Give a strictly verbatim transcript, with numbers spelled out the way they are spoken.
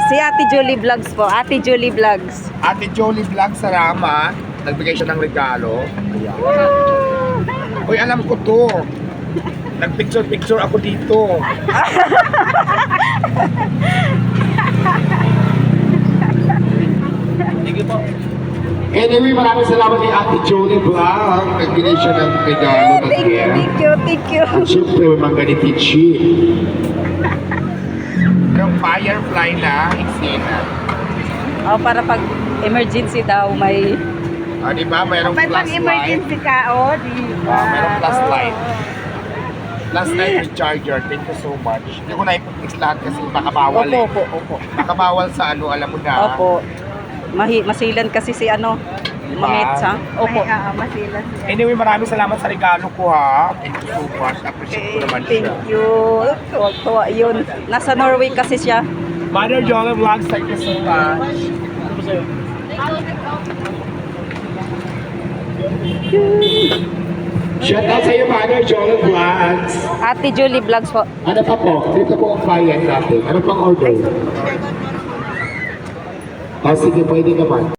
Si Ate Julie Vlogs po. Ate Julie Vlogs. Ate Jolie Vlog sa Rama, nagbigay siya ng regalo. Ayan. Uy, alam ko to. Nagpicture-picture ako dito. Sige po. Anyway, maraming salamat kay Ate Jolie Vlog. Nagbigay siya ng regalo ng Thank you, hair. thank you, thank you. At syempre, mga ganitichi. Yung firefly na eksena. Oh, para pag emergency daw may... Ah, di ba? Mayroong May flashlight. pang-emergency ka, o, di ba? Ah, mayroong flashlight. Oo. Flashlight with charger. Thank you so much. Hindi ko na ipag-fix lahat kasi baka bawal Opo, eh. opo, opo. Baka bawal sa ano, alam mo na. Opo. Mahi masilan kasi si ano, Diba? mamits ha? Opo. May, oo, masilas yan. Anyway, maraming salamat sa regalo ko ha. Thank you so much. Appreciate ko naman Thank siya. you. Tuwa-tuwa yun. Nasa Norway kasi siya. Mother Jolie Vlogs, thank you so much. Shout out sa iyo, Mother Jolie Vlogs. Ate Julie Vlogs po. Ano pa po? Dito po ang client natin. Ano pang order? Oh, sige, pwede naman.